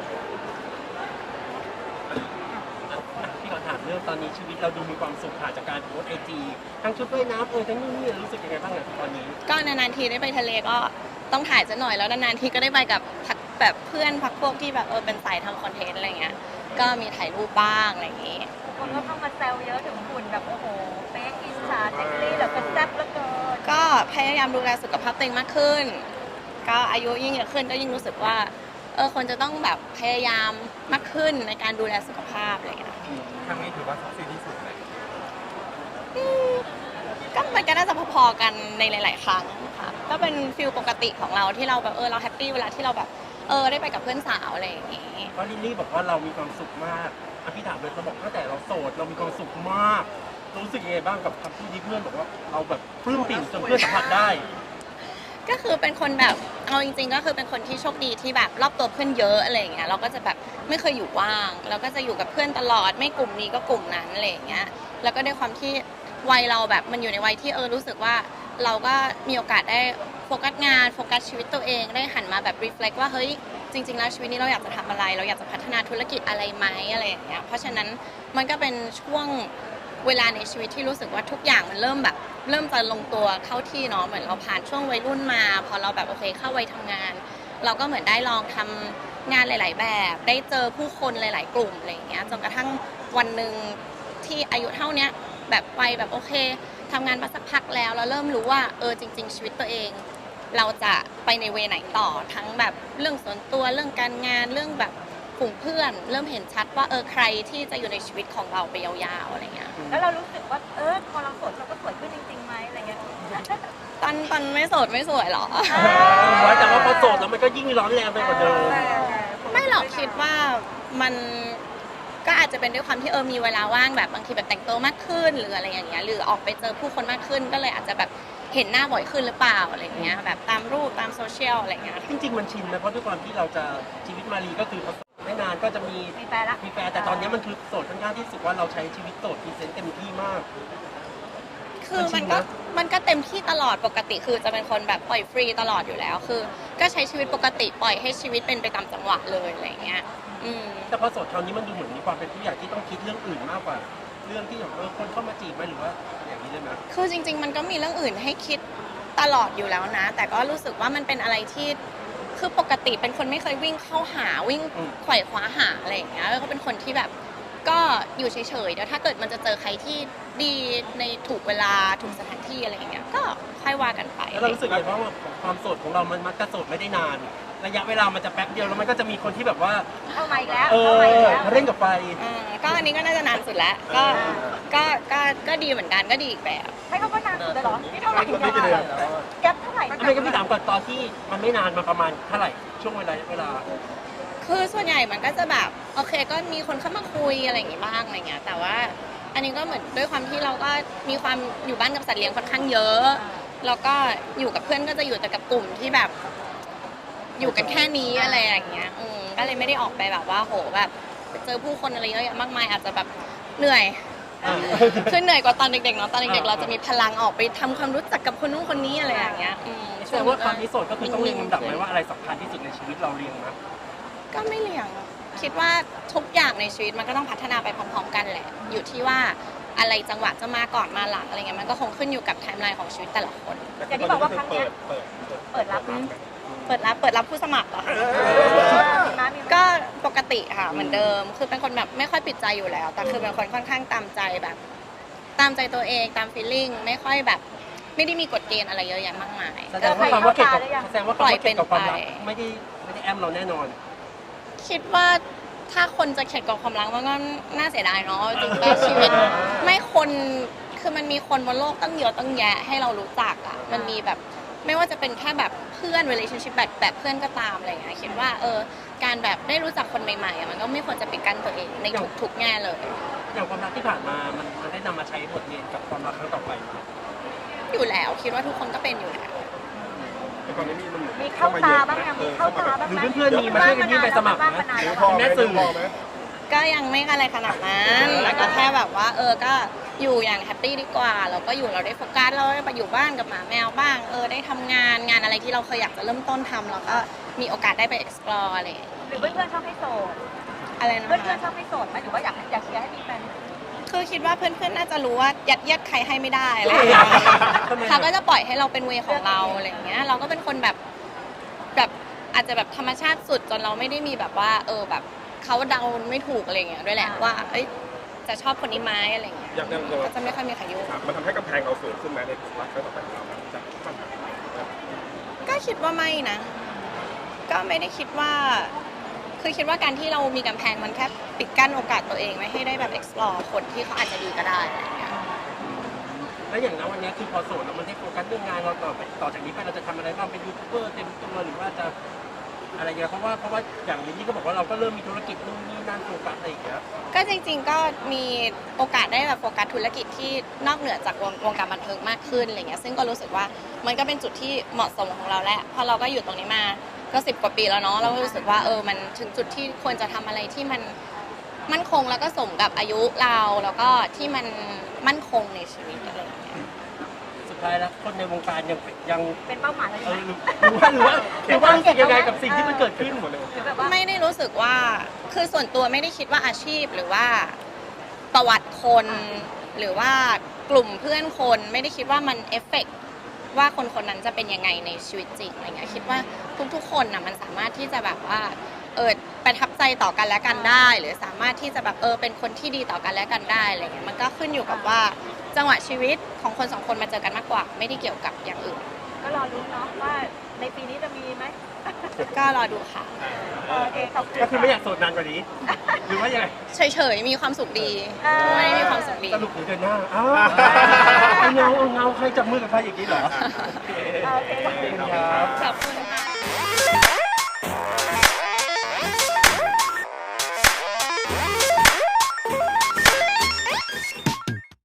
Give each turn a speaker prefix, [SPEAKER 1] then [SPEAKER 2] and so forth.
[SPEAKER 1] พี่ขอถามเรื่องตอนนี้ชีวิตเราดูมีความสุขผ่านจากการโพสไอจีทั้งชุดว่ายน้ำทั้งนู่นนี่รู้สึกยังไงบ้างตอนนี้
[SPEAKER 2] ก็นานๆทีได้ไปทะเลก็ต้องถ่ายซะหน่อยแล้วนานๆทีก็ได้ไปกับพักแบบเพื่อนพักพวกที่แบบเป็นสายทำคอนเทนต์อะไรเงี้ยก็มีถ่ายรูปบ้างอะไรอย่างงี้
[SPEAKER 3] คนก็เข้ามาแซวเยอะถึงหุ่นแบบโอ้โหเป๊กอินสาเซ็กซี่แบบกระแซ่บเหลือเกิน
[SPEAKER 2] ก็พยายามดูแลสุขภาพตัวเองมากขึ้นก็อายุยิ่งเยอะขึ้นก็ยิ่งรู้สึกว่าคนจะต้องแบบพยายามมากขึ้นในการดูแลสุขภาพอะไรอย่างเงี้ย
[SPEAKER 4] ครั้งนี้ถือว่าเซ็กซี่ที่สุดเลย
[SPEAKER 2] ก็มันก็น่าจะพอๆกันในหลายๆครั้งค่ะก็เป็นฟิลปกติของเราที่เราแบบเราแฮปปี้เวลาที่เราแบบได้ไปกับเพื่อนสาวอะไรอย่างงี้
[SPEAKER 1] เพราะลิลลี่บอกว่าเรามีความสุขมากพี่ถามเลยเขาบอกตั้งแต่เราโสดเรามีความสุขมากรู้สึกยังไงบ้างกับคำพูดที่เพื่อนบอกว่าเราแบบปลื้มปิ่มจนเพื่อนสัมผัสได้
[SPEAKER 2] ก็คือเป็นคนแบบเอาจริงๆก็คือเป็นคนที่โชคดีที่แบบรอบตัวเพื่อนเยอะอะไรอย่างเงี้ยเราก็จะแบบไม่เคยอยู่ว่างเราก็จะอยู่กับเพื่อนตลอดไม่กลุ่มนี้ก็กลุ่มนั้นอะไรอย่างเงี้ยแล้วก็ด้วยความที่วัยเราแบบมันอยู่ในวัยที่รู้สึกว่าเราก็มีโอกาสได้โฟกัสงานโฟกัสชีวิตตัวเองได้หันมาแบบรีเฟล็กว่าเฮ้ยจริงๆแล้วชีวิตนี้เราอยากจะทำอะไรเราอยากจะพัฒนาธุรกิจอะไรไหมอะไรอย่างเงี้ยเพราะฉะนั้นมันก็เป็นช่วงเวลาในชีวิตที่รู้สึกว่าทุกอย่างมันเริ่มจะลงตัวเข้าที่เนาะเหมือนเราผ่านช่วงวัยรุ่นมาพอเราแบบโอเคเข้าวัยทำงานเราก็เหมือนได้ลองทำงานหลายๆแบบได้เจอผู้คนหลายๆกลุ่มอะไรอย่างเงี้ยจนกระทั่งวันหนึ่งที่อายุเท่านี้แบบไปแบบโอเคทำงานมาสักพักแล้วเราเริ่มรู้ว่าจริงๆชีวิตตัวเองเราจะไปในเวไหนต่อทั้งแบบเรื่องส่วนตัวเรื่องการงานเรื่องแบบกลุ่มเพื่อนเริ่มเห็นชัดว่าใครที่จะอยู่ในชีวิตของเราไปยาวๆอะไรเงี้ย
[SPEAKER 3] แล้วเรารู้สึกว่าพอเราโสดเราก็สวยขึ้นจริงๆไหมอะไรเงี้ย
[SPEAKER 2] ตอนไม่โสดไม่สวยหรอ
[SPEAKER 1] แต่ว่าพอโสดแล้วมันก็ยิ่งร้อนแรงไปกว่าเดิม
[SPEAKER 2] ไม่หรอกคิดว่ามันก็อาจจะเป็นด้วยความที่มีเวลาว่างแบบบางทีแบบแต่งตัวมากขึ้นหรืออะไรอย่างเงี้ยหรือออกไปเจอผู้คนมากขึ้นก็เลยอาจจะแบบเห็นหน้าบ่อยขึ้นหรือเปล่าอะไรเงี้ยแบบตามรูปตามโซเชียลอะไรเงี้ย
[SPEAKER 1] จริงๆมันชินนะเพราะด้วยความที่เราจะชีวิตมารีก็คือไม่นานก็จะมี
[SPEAKER 3] แฟนละ
[SPEAKER 1] มีแฟนแต่ตอนนี้มันคือโสดค่อนข้างที่สุดว่าเราใช้ชีวิตโสดพรีเซนต์เต็มที่มาก
[SPEAKER 2] คือมันก็เต็มที่ตลอดปกติคือจะเป็นคนแบบปล่อยฟรีตลอดอยู่แล้วคือก็ใช้ชีวิตปกติปล่อยให้ชีวิตเป็นไปตามจังหวะเลยอะไรเงี้ย
[SPEAKER 1] แต่พอโสดคราวนี้มันดูเหมือนมีความเป็นผู้ใหญ่ที่ต้องคิดเรื่องอื่นมากกว่าเรื่องที่แบบคนเข้ามาจีบไหมหรือว่าอย่างนี้ได้ไหม
[SPEAKER 2] คือจริงๆมันก็มีเรื่องอื่นให้คิดตลอดอยู่แล้วนะแต่ก็รู้สึกว่ามันเป็นอะไรที่คือปกติเป็นคนไม่เคยวิ่งเข้าหาวิ่งไขว่คว้าหาอะไรอย่างเงี้ยแล้วก็เป็นคนที่แบบก็อยู่เฉยๆเดี๋ยวถ้าเกิดมันจะเจอใครที่ดีในถูกเวลาถูกสถานที่อะไรอย่างเงี้ยก็ค่อยว่ากันไป
[SPEAKER 1] แล้วเรารู้สึกไงเพราะว่าความโสดของเรามันมักจะโสดไม่ได้นานระยะเวลามันจะแป๊บเดียวแล้วมันก็จะมีคนที่แบบว่า
[SPEAKER 3] เข้ามาอีกแล้ว
[SPEAKER 1] เร่งกับไฟ
[SPEAKER 2] ก็อันนี้ก็น่าจะนานสุดแล้วก็ดีเหมือนกันก็ดีอีกแบบ
[SPEAKER 3] ให้เขาก็นานสุดเลยเหรอนี่เท่าไหร่แก๊ปเท่าไหร่
[SPEAKER 1] ไม่ก็พี่ถามก่อนตอนที่มันไม่นานมาประมาณเท่าไหร่ช่วงเวลา
[SPEAKER 2] คือส่วนใหญ่มันก็จะแบบโอเคก็มีคนเข้ามาคุยอะไรอย่างงี้บ้างอะไรเงี้ยแต่ว่าอันนี้ก็เหมือนด้วยความที่เราก็มีความอยู่บ้านกับสัตว์เลี้ยงค่อนข้างเยอะแล้วก็อยู่กับเพื่อนก็จะอยู่แต่กับกลุ่มที่แบบอยู่กันแค่นี้อะไรอย่างเงี้ยก็เลยไม่ได้ออกไปแบบว่าโหแบบเจอผู้คนอะไรเยอะแยะมากมายอาจจะแบบเหนื่อยคือเหนื่อยกว่าตอนเด็กๆเนาะตอนเด็กๆเราจะมีพลังออกไปทำความรู้จักกับคนนู้นคนนี้อะไรอย่างเงี้ย
[SPEAKER 1] แสดงว่าความที่โสดก็คือต้องเรียงลำดับไหมว่าอะไรสำคัญที่สุดในชีวิตเราเรียงนะ
[SPEAKER 2] ก็ไม่เรียงคิดว่าทุกอย่างในชีวิตมันก็ต้องพัฒนาไปพร้อมๆกันแหละอยู่ที่ว่าอะไรจังหวะจะมาก่อนมาหลังอะไรเงี้ยมันก็คงขึ้นอยู่กับไทม์ไลน์ของชีวิตแต่ละคน
[SPEAKER 3] อย่างที่บอกว่าครั้งนี้เปิด
[SPEAKER 2] รับผู้สมัครเหรอก็ปกติค่ะเหมือนเดิมคือเป็นคนแบบไม่ค่อยปิดใจอยู่แล้วแต่คือเป็นคนค่อนข้างตามใจแบบตามใจตัวเองตามฟีลลิ่งไม่ค่อยแบบไม่ได้มีกฎเกณฑ์อะไรเยอะแยะมากมาย
[SPEAKER 1] แสดงว่าความว่าเกี่ยวกับความรักไม่ได้แอมเราแน่นอน
[SPEAKER 2] คิดว่าถ้าคนจะเข็ดกับความรักมันก็น่าเสียดายเนาะจริงๆชีวิตไม่คนคือมันมีคนบนโลกตั้งเยอะตั้งแยะให้เรารู้จักอ่ะมันมีแบบไม่ว่าจะเป็นแค่แบบเพื่อน relationship แบบเพื่อนก็ตามอะไรอย่างเงี้ยคิดว่าการแบบได้รู้จักคนใหม่ๆมันก็ไม่ควรจะปิดกั้นตัวเองในทุกแง่เลย
[SPEAKER 1] อย่างความรักที่ผ่านมามันได้นำมาใช้บทเรียนกับความรักครั้งต่อไป
[SPEAKER 2] อยู่แล้วคิดว่าทุกคนก็เป็นอยู่แล้ว
[SPEAKER 3] มีเข้าตาบ้างยังมีเข้าตาบ้าง
[SPEAKER 1] หรือเพื่อนๆมีมาช่วยกันยื่นใบสมัครนะแม่สื่อ
[SPEAKER 2] ก็ยังไม่อะไรขนาดนั้นแล้วก็แค่แบบว่าก็อยู่อย่างแฮปปี้ดีกว่าเราก็อยู่เราได้โฟกัสเราได้ไปอยู่บ้านกับหมาแมวบ้างได้ทำงานอะไรที่เราเคยอยากจะเริ่มต้นทำแล้วก็มีโอกาสได้ไป explore อะไร
[SPEAKER 3] หรือเพื่อนๆชอบให้โสด
[SPEAKER 2] อะไรนะ
[SPEAKER 3] เพื่อนๆช
[SPEAKER 2] คะ
[SPEAKER 3] อบให้โสดไหมหรือว่าอยากเชียร์ให้มีแฟน
[SPEAKER 2] คือคิดว่าเพื่อนๆน่าจะรู้ว่ายัดเยียดใครให้ไม่ได้อะไรอย่างเงี้ย
[SPEAKER 1] ทำไม
[SPEAKER 2] เขาก็จะปล่อยให้เราเป็นเวของเราอะไรอย่างเงี้ยเราก็เป็นคนแบบอาจจะแบบธรรมชาติสุดจนเราไม่ได้มีแบบว่าแบบเขาเดาไม่ถูกอะไรอย่างเงี้ยด้วยแหละว่าเอ้ยจะชอบคนนี้ไหมอะไรอย่างเงี้ย
[SPEAKER 5] อย่าง
[SPEAKER 2] ก็จะไม่ค่อยมีใครยุ่ง
[SPEAKER 5] มันทำให้กำแพงเราสูงขึ้นไหมในความรักครั้งต่อไปของเราจากปัญหา
[SPEAKER 2] ก็คิดว่าไม่นะ ก็ไม่ได้คิดว่า คือคิดว่าการที่เรามีกำแพงมันแค่ปิดกั้นโอกาสตัวเองไม่ให้ได้แบบ explore คนที่เขาอาจจะดีก็ได้อะไรอย่างเงี้ย
[SPEAKER 1] แล้วอย่างนั้นวันนี้คือพอโสดแล้วมันได้โฟกัสเรื่องงานเราต่อจากนี้ไปเราจะทำอะไรบ้างเป็นยูทูบเบอร์เต็มตัวหรือว่าจะอะไรอย่างเงี้ยเพราะว่าอย่างนี้ก็บอกว่าเราก็เริ่มมีธุรกิจนู่นนี่นั่นโฟกัสอะไรอย่างเงี้ย
[SPEAKER 2] ก็จริงๆก็มีโอกาสได้แบบโฟกัสธุรกิจที่นอกเหนือจากวงการบันเทิงมากขึ้นอะไรเงี้ยซึ่งก็รู้สึกว่ามันก็เป็นจุดที่เหมาะสมของเราแหละเพราะเราก็อยู่ตรงนี้มาก็10 กว่าปีแล้วเนาะเราก็รู้สึกว่ามันถึงจุดที่ควรจะทำอะไรที่มันมั่นคงแล้วก็สมกับอายุเราแล้วก็ที่มันมั่นคงในชีวิตอะไรอย่างเงี้ย
[SPEAKER 1] สุดท้ายแล้วคนในวงการยัง
[SPEAKER 3] เป็นเป้าหมายเราอยู่ไหม
[SPEAKER 1] หรือว่ารู้สึกยังไงกับสิ่งที่มันเกิดขึ้นหมดเลย
[SPEAKER 3] หรือแบบว่า
[SPEAKER 2] ไม่ได้รู้สึกว่าคือส่วนตัวไม่ได้คิดว่าอาชีพหรือว่าประวัติคนหรือว่ากลุ่มเพื่อนคนไม่ได้คิดว่ามันเอฟเฟกต์ว่าคนคนนั้นจะเป็นยังไงในชีวิตจริงอะไรเงี้ยคิดว่าทุกๆคนน่ะมันสามารถที่จะแบบว่าประทับใจต่อกันและกันได้ หรือสามารถที่จะแบบเป็นคนที่ดีต่อกันและกันได้อะไรเงี้ยมันก็ขึ้นอยู่กับว่าจังหวะชีวิตของคนสองคนมาเจอกันมากกว่า ไม่ได้เกี่ยวกับอย่างอื่น
[SPEAKER 3] ก็รอรุ้นเนาะว่าในปีนี้จะมีไหม
[SPEAKER 2] ก็รอดูค่ะ
[SPEAKER 3] โอเคขอบคุณ
[SPEAKER 1] ก็คือไม่อยากโสดนานกว่านี้ หรือว่ายังไง
[SPEAKER 2] เฉยๆมีความสุขดีไม่ได้มีความสุขดี
[SPEAKER 1] สรุปหรือเดินหน้าอ้าวเอาเงาใครจับมือกับใครอย่างนี้เหรอ
[SPEAKER 3] โอเคขอบคุณ
[SPEAKER 1] ครับ
[SPEAKER 2] ขอบคุณ